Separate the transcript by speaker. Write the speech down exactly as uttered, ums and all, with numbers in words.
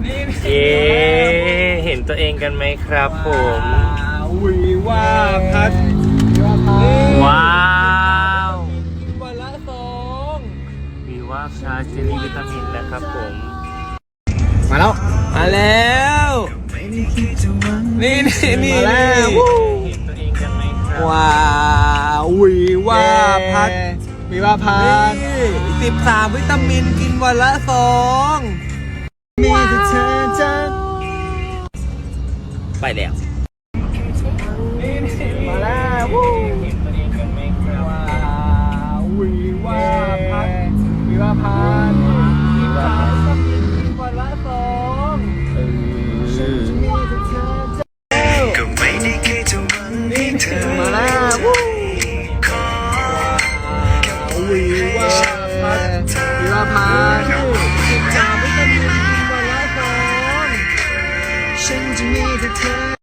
Speaker 1: เย้เห็นตัวเองกันไหมครับผม
Speaker 2: วิว่าพัด
Speaker 1: ว้าว
Speaker 2: กินวันละสอง
Speaker 1: วีว่าชาเจลลี่วิตามินนะครับผม
Speaker 2: มาแล้วมาแล้วนี่นี่นี่มาแล้ว
Speaker 1: เห็นตัวเองกันไหมครับ
Speaker 2: ว้าววิว่าพัดวิว่าพัดสิบสามวิตามินกินวันละสองมีแต่เธอจะ
Speaker 1: ไปแล้ว
Speaker 2: มาแล้ว
Speaker 1: เห็นตัวเองกันไหมครับ
Speaker 2: ว้าววิว่าพัดวิว่าพัดสิบสามวิตามินกินวันละสองฉันจะมีแต่เธอจะก็ไม่ได้แค่จะหวังให้เธอมาแล้ววิว่าพัดวิว่าพัดสิบสามวิตามินกินวันละสองฉันจะมีแต่เธอ